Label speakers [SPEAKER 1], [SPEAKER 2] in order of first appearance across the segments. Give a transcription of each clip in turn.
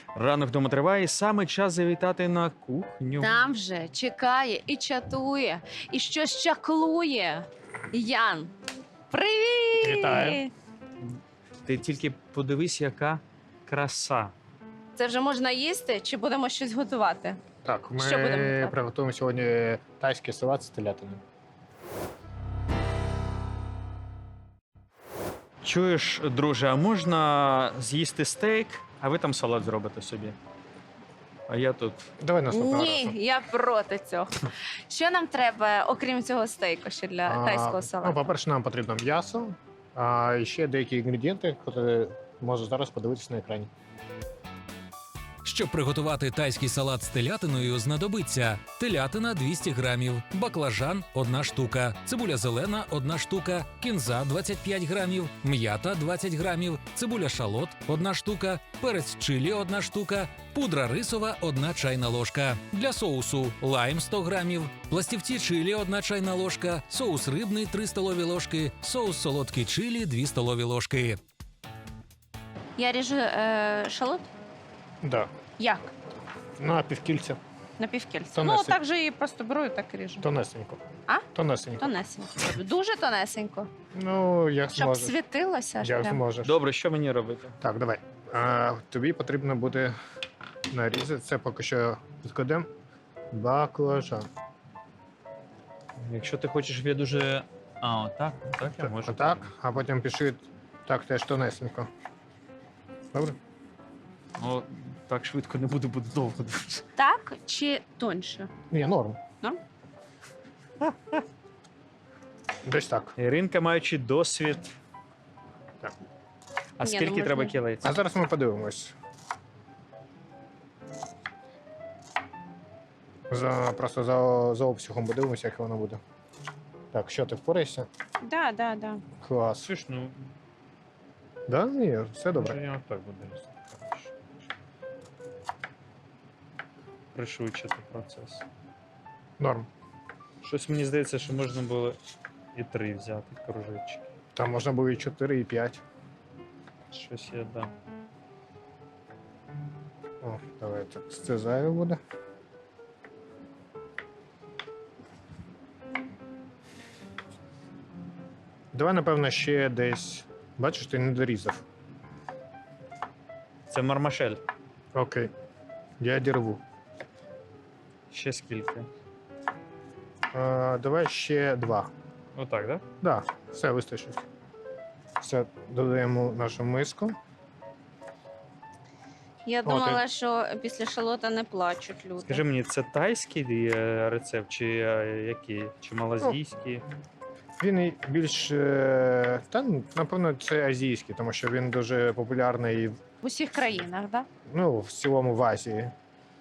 [SPEAKER 1] Ранок вдома триває, і саме час завітати на кухню.
[SPEAKER 2] Там вже чекає і чатує, і щось чаклує. Ян, привіт!
[SPEAKER 3] Вітаю.
[SPEAKER 1] Ти тільки подивись, яка краса.
[SPEAKER 2] Це вже можна їсти чи будемо щось готувати?
[SPEAKER 3] Так,
[SPEAKER 2] Що будемо
[SPEAKER 3] ми
[SPEAKER 2] готувати?
[SPEAKER 3] приготуємо сьогодні тайський салат з телятиною.
[SPEAKER 1] Чуєш, друже, а можна з'їсти стейк, а ви там салат зробите собі? А я тут.
[SPEAKER 3] Давай наступного
[SPEAKER 2] Ні,
[SPEAKER 3] разу.
[SPEAKER 2] я проти цього. Що нам треба, окрім цього стейку, ще для тайського
[SPEAKER 3] Ну,
[SPEAKER 2] салату?
[SPEAKER 3] по-перше, нам потрібно м'ясо, а ще деякі інгредієнти, які можу зараз подивитися на екрані.
[SPEAKER 4] Щоб приготувати тайський салат з телятиною, знадобиться телятина 200 грамів, баклажан – 1 штука, цибуля зелена – 1 штука, кінза – 25 грамів, м'ята – 20 грамів, цибуля шалот – 1 штука, перець чилі – 1 штука, пудра рисова – 1 чайна ложка. Для соусу – лайм – 100 грамів, пластівці чилі – 1 чайна ложка, соус рибний – 3 столові ложки, соус солодкий чилі – 2 столові ложки.
[SPEAKER 2] Я ріжу шалот?
[SPEAKER 3] Да.
[SPEAKER 2] Як?
[SPEAKER 3] На півкільця.
[SPEAKER 2] На півкільця.
[SPEAKER 3] Тонесенько.
[SPEAKER 2] Ну, так же її просто беру і так і ріжу.
[SPEAKER 3] Тонесенько.
[SPEAKER 2] А?
[SPEAKER 3] Тонесенько.
[SPEAKER 2] Тонесенько. Дуже тонесенько.
[SPEAKER 3] Ну, як
[SPEAKER 2] Щоб
[SPEAKER 3] зможеш.
[SPEAKER 2] світилося. ж
[SPEAKER 3] Як
[SPEAKER 2] прям.
[SPEAKER 3] зможеш.
[SPEAKER 1] Добре, що мені робити?
[SPEAKER 3] Так, давай. Тобі потрібно буде нарізати. Це поки що відкладемо. Баклажан.
[SPEAKER 1] Якщо ти хочеш, щоб я дуже. А, отак, так я можу.
[SPEAKER 3] Отак, а потім пиши так теж тонесенько. Добре?
[SPEAKER 1] Ну, так швидко не буду, буде довго дуже.
[SPEAKER 2] Так чи тоньше?
[SPEAKER 3] Ні, норм.
[SPEAKER 2] Норм?
[SPEAKER 3] Десь так.
[SPEAKER 1] Іринка, маючи досвід.
[SPEAKER 3] Так.
[SPEAKER 1] А
[SPEAKER 2] Ні,
[SPEAKER 1] скільки
[SPEAKER 2] ну,
[SPEAKER 1] треба
[SPEAKER 2] можна.
[SPEAKER 1] кілець?
[SPEAKER 3] А зараз ми подивимось. Просто за обсягом подивимося, як воно буде. Так, що ти впораєшся?
[SPEAKER 2] Да, да, да.
[SPEAKER 3] Клас.
[SPEAKER 1] Слушай, ну,
[SPEAKER 3] Да? Ні, все
[SPEAKER 1] може,
[SPEAKER 3] добре.
[SPEAKER 1] я отак буду різати. Пришвидшити процес.
[SPEAKER 3] Норм.
[SPEAKER 1] Щось мені здається, що можна було і 3 взяти кружечки.
[SPEAKER 3] Там можна було і 4, і 5.
[SPEAKER 1] Щось я дам.
[SPEAKER 3] О, давай так. Це зайве буде. Давай, напевно, ще десь. Бачиш, ти не дорізав.
[SPEAKER 1] Це мармашель.
[SPEAKER 3] Окей. Я дірву.
[SPEAKER 1] Ще скільки?
[SPEAKER 3] Давай ще 2.
[SPEAKER 1] Отак, так?
[SPEAKER 3] Да, все вистачить. Все, додаємо в нашу миску.
[SPEAKER 2] Я
[SPEAKER 3] О,
[SPEAKER 2] думала, що після шалота не плачуть люди.
[SPEAKER 1] Скажи мені, це тайський рецепт, чи який? Чи малазійський?
[SPEAKER 3] Він і більш, напевно, це азійський, тому що він дуже популярний
[SPEAKER 2] В усіх країнах, так? Да?
[SPEAKER 3] ну, в цілому в Азії.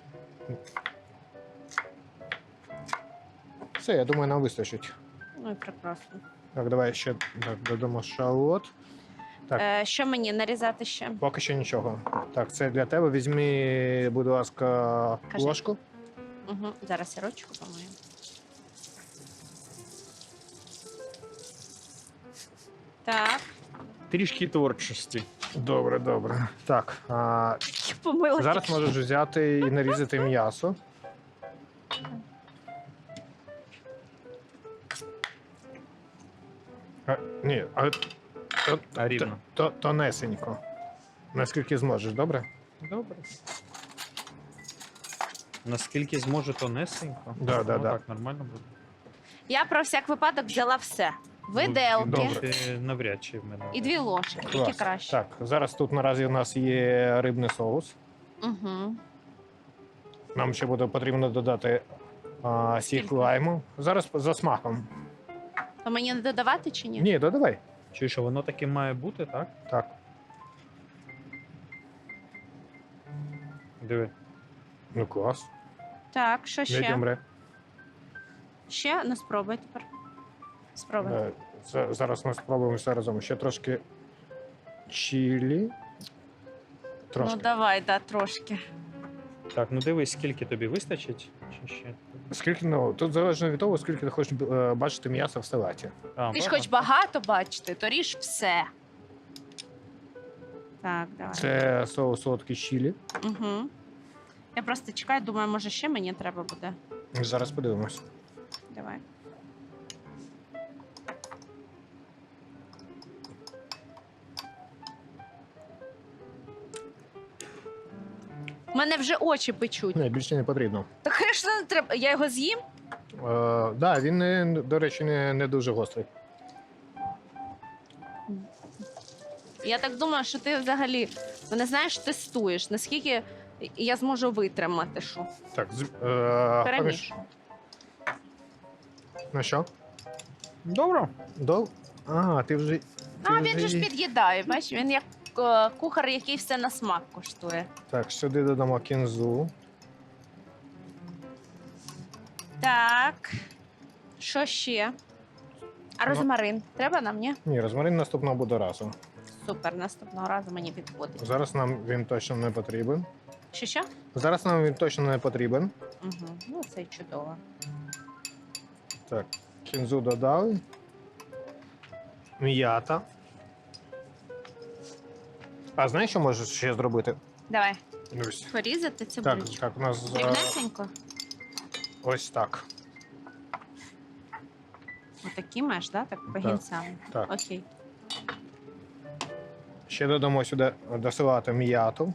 [SPEAKER 3] Все, я думаю, нам вистачить.
[SPEAKER 2] Ну і прекрасно.
[SPEAKER 3] Так, давай ще так, додамо шалот. Так.
[SPEAKER 2] Що мені нарізати ще?
[SPEAKER 3] Поки що нічого. Так, це для тебе. Візьми, будь ласка,
[SPEAKER 2] Кажи.
[SPEAKER 3] ложку.
[SPEAKER 2] Угу. Зараз я ручку помию. Так,
[SPEAKER 1] Трішки творчості.
[SPEAKER 3] Добре, добре. Так,
[SPEAKER 2] помила.
[SPEAKER 3] зараз
[SPEAKER 2] тільки
[SPEAKER 3] можеш взяти і нарізати м'ясо. Ні,
[SPEAKER 1] А рівно.
[SPEAKER 3] тонесенько. Наскільки зможеш, добре?
[SPEAKER 1] Добре. Наскільки зможу, тонесенько.
[SPEAKER 3] Да, да,
[SPEAKER 1] Ну,
[SPEAKER 3] да.
[SPEAKER 1] Так, нормально буде.
[SPEAKER 2] Я про всяк випадок взяла все.
[SPEAKER 1] Ну,
[SPEAKER 2] Виделки
[SPEAKER 3] Добре.
[SPEAKER 1] Навряд чи в мене.
[SPEAKER 2] і 2 ложки, тільки
[SPEAKER 3] Клас.
[SPEAKER 2] краще.
[SPEAKER 3] Так, зараз тут наразі у нас є рибний соус.
[SPEAKER 2] Угу.
[SPEAKER 3] Нам ще буде потрібно додати сік
[SPEAKER 2] Скільки?
[SPEAKER 3] лайму. Зараз за смаком.
[SPEAKER 2] То мені не додавати чи ні?
[SPEAKER 3] Ні, додавай.
[SPEAKER 1] Чуєш, що воно таке має бути, так?
[SPEAKER 3] Так.
[SPEAKER 1] Диви.
[SPEAKER 3] Ну клас.
[SPEAKER 2] Так, що ще?
[SPEAKER 3] Medium rare.
[SPEAKER 2] Ще? Ну спробуй тепер. Спробуй.
[SPEAKER 3] Зараз ми спробуємо все разом. Ще трошки чилі. Трошки.
[SPEAKER 2] Ну давай, да, трошки.
[SPEAKER 1] Так, ну дивись, скільки тобі вистачить? Чи ще?
[SPEAKER 3] Скільки, ну, тут залежно від того, скільки ти хочеш бачити м'яса в салаті.
[SPEAKER 1] А,
[SPEAKER 2] Ти ж
[SPEAKER 1] багато?
[SPEAKER 2] хоч багато бачити, то ріж все. Так, давай.
[SPEAKER 3] Це соус солодкий чилі.
[SPEAKER 2] Угу. Я просто чекаю, думаю, може ще мені треба буде.
[SPEAKER 3] Зараз подивимось.
[SPEAKER 2] Давай. У мене вже очі печуть.
[SPEAKER 3] Ні, більше не потрібно.
[SPEAKER 2] Так звісно, не треба. Я його з'їм?
[SPEAKER 3] Да, він, до речі, не дуже гострий.
[SPEAKER 2] Я так думаю, що ти взагалі мене знаєш, тестуєш, наскільки я зможу витримати, що.
[SPEAKER 3] Так,
[SPEAKER 2] Перемішую.
[SPEAKER 3] Ну що?
[SPEAKER 1] Добре.
[SPEAKER 3] А, ти вже.
[SPEAKER 2] А він же ж під'їдає, бачиш, він як кухар, який все на смак коштує.
[SPEAKER 3] Так, сюди додамо кінзу.
[SPEAKER 2] Так. Що ще? А розмарин треба нам, ні?
[SPEAKER 3] Ні, розмарин наступного буде разом.
[SPEAKER 2] Супер, наступного разу мені підходить.
[SPEAKER 3] Зараз нам він точно не потрібен.
[SPEAKER 2] Що?
[SPEAKER 3] Зараз нам він точно не потрібен.
[SPEAKER 2] Угу. Ну, це чудово.
[SPEAKER 3] Так, кінзу додали. М'ята. А знаєш, що можеш ще зробити?
[SPEAKER 2] Давай,
[SPEAKER 3] Ось.
[SPEAKER 2] порізати
[SPEAKER 3] Так,
[SPEAKER 2] цибулечку.
[SPEAKER 3] так, у нас
[SPEAKER 2] Дрібнесенько.
[SPEAKER 3] ось так.
[SPEAKER 2] Отакі маєш, да? Так, по гінцям.
[SPEAKER 3] Так.
[SPEAKER 2] Окей.
[SPEAKER 3] Ще додамо сюди до салату м'яту.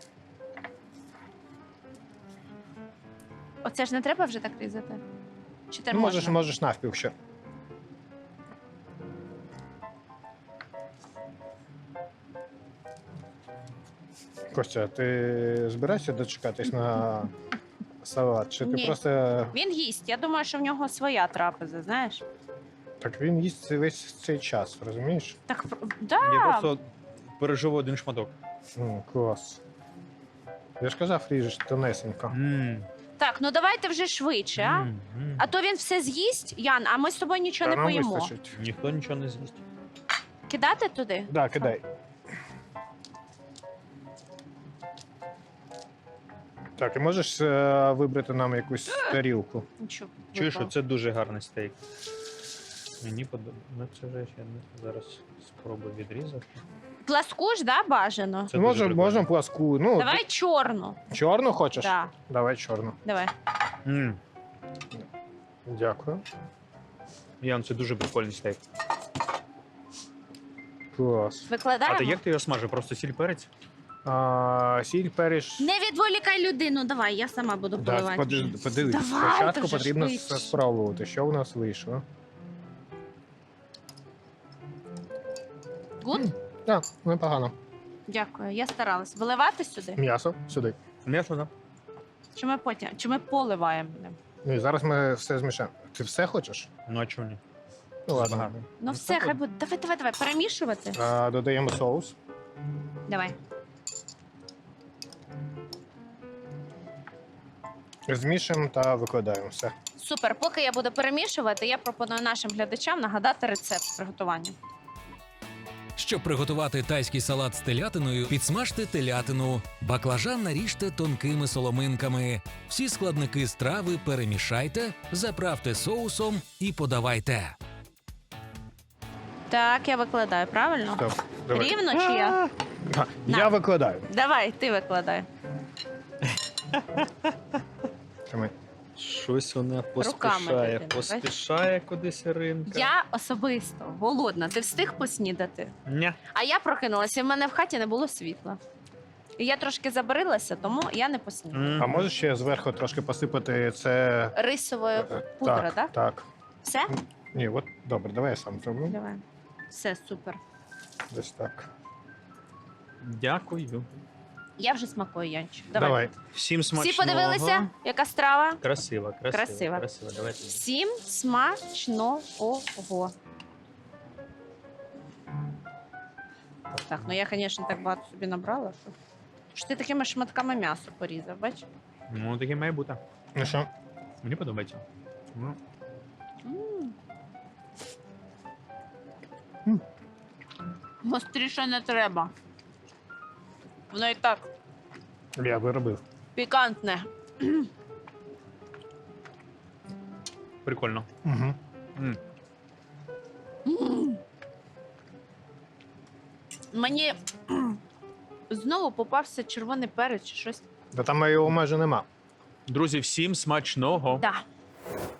[SPEAKER 2] Оце ж не треба вже так різати? Чи ти
[SPEAKER 3] Можеш,
[SPEAKER 2] можна?
[SPEAKER 3] можеш навпіл ще. Костя, ти збираєшся дочекатись на салат? Чи ти
[SPEAKER 2] Ні.
[SPEAKER 3] просто.
[SPEAKER 2] Він їсть. Я думаю, що в нього своя трапеза, знаєш?
[SPEAKER 3] Так він їсть весь цей час, розумієш?
[SPEAKER 2] Так, да.
[SPEAKER 1] Я просто переживу один шматок.
[SPEAKER 3] Клас. Я ж казав, ріжеш тонесенько.
[SPEAKER 2] Так, ну давайте вже швидше, а? А то він все з'їсть, Ян, а ми з тобою нічого
[SPEAKER 3] Та
[SPEAKER 2] не
[SPEAKER 3] нам
[SPEAKER 2] поїмо.
[SPEAKER 3] вистачить.
[SPEAKER 1] Ніхто нічого не з'їсть.
[SPEAKER 2] Кидати туди?
[SPEAKER 3] Да, кидай. Так, і можеш вибрати нам якусь тарілку?
[SPEAKER 2] Нічого.
[SPEAKER 1] Чуєш,
[SPEAKER 2] випало.
[SPEAKER 1] це дуже гарний стейк. Мені подобається. Ну, це вже ще не зараз спробую відрізати.
[SPEAKER 2] Пласку ж, да, бажано?
[SPEAKER 1] Це дуже прикольно.
[SPEAKER 3] Можемо пласку. Ну,
[SPEAKER 2] Давай чорну.
[SPEAKER 3] чорну хочеш?
[SPEAKER 2] Да.
[SPEAKER 3] Давай чорну.
[SPEAKER 2] Давай.
[SPEAKER 3] Дякую.
[SPEAKER 1] Ян, це дуже прикольний стейк.
[SPEAKER 3] Клас.
[SPEAKER 2] Викладаємо?
[SPEAKER 1] А ти як ти його смажив? Просто сіль перець?
[SPEAKER 3] Сіль, перець.
[SPEAKER 2] Не відволікай людину, давай, я сама буду
[SPEAKER 3] Да,
[SPEAKER 2] поливати.
[SPEAKER 3] подивись,
[SPEAKER 2] Давай,
[SPEAKER 3] спочатку
[SPEAKER 2] дуже
[SPEAKER 3] потрібно
[SPEAKER 2] швидше.
[SPEAKER 3] спробувати, що у нас вийшло.
[SPEAKER 2] Гуд?
[SPEAKER 3] Так, непогано.
[SPEAKER 2] Дякую, я старалась. Виливати сюди?
[SPEAKER 3] М'ясо сюди.
[SPEAKER 1] М'ясо, да?
[SPEAKER 2] Чи ми потім? Чи ми поливаємо?
[SPEAKER 3] Ну і зараз ми все змішаємо. Ти все хочеш?
[SPEAKER 1] Ну а чого ні?
[SPEAKER 3] Ну ладно.
[SPEAKER 1] Багато.
[SPEAKER 2] Ну все, хай буде. Давай, перемішувати.
[SPEAKER 3] Додаємо соус.
[SPEAKER 2] Давай.
[SPEAKER 3] Змішуємо та викладаємо все.
[SPEAKER 2] Супер. Поки я буду перемішувати, я пропоную нашим глядачам нагадати рецепт приготування.
[SPEAKER 4] Щоб приготувати тайський салат з телятиною, підсмажте телятину. Баклажан наріжте тонкими соломинками. Всі складники страви перемішайте, заправте соусом і подавайте.
[SPEAKER 2] Так, я викладаю, правильно?
[SPEAKER 3] Стоп. Давай.
[SPEAKER 2] Рівно чи я?
[SPEAKER 3] Я викладаю.
[SPEAKER 2] Давай, ти викладай.
[SPEAKER 3] Тримай.
[SPEAKER 1] Щось вона
[SPEAKER 2] поспішає,
[SPEAKER 1] поспішає,
[SPEAKER 2] дитина,
[SPEAKER 1] поспішає кудись Іринка.
[SPEAKER 2] Я особисто голодна. Ти встиг поснідати?
[SPEAKER 1] Ня.
[SPEAKER 2] А я прокинулася, і в мене в хаті не було світла. І я трошки забарилася, тому я не поснідала.
[SPEAKER 3] А можеш ще зверху трошки посипати це.
[SPEAKER 2] Рисовою пудра, так?
[SPEAKER 3] Так.
[SPEAKER 2] Все?
[SPEAKER 3] Ні, от добре, давай я сам зроблю.
[SPEAKER 2] Давай. Все, супер.
[SPEAKER 3] Десь так.
[SPEAKER 1] Дякую.
[SPEAKER 2] Я вже смакую, Янчик.
[SPEAKER 3] Давай.
[SPEAKER 1] Всім смачного.
[SPEAKER 2] Всі подивилися, яка страва?
[SPEAKER 1] Красиво.
[SPEAKER 2] Красиво.
[SPEAKER 1] Давайте.
[SPEAKER 2] Всім смачного. Так, ну я, звісно, так багато собі набрала, що ти такими шматками м'ясо порізав, бач?
[SPEAKER 1] Ну, таке має бути.
[SPEAKER 3] Ну що?
[SPEAKER 1] Мені подобається. Ну,
[SPEAKER 2] Гостріше не треба. Воно і так
[SPEAKER 3] Я виробив.
[SPEAKER 2] пікантне.
[SPEAKER 1] прикольно.
[SPEAKER 3] Угу.
[SPEAKER 2] Мені знову попався червоний перець чи щось.
[SPEAKER 3] Та там його майже нема.
[SPEAKER 1] Друзі, всім смачного.
[SPEAKER 2] Да.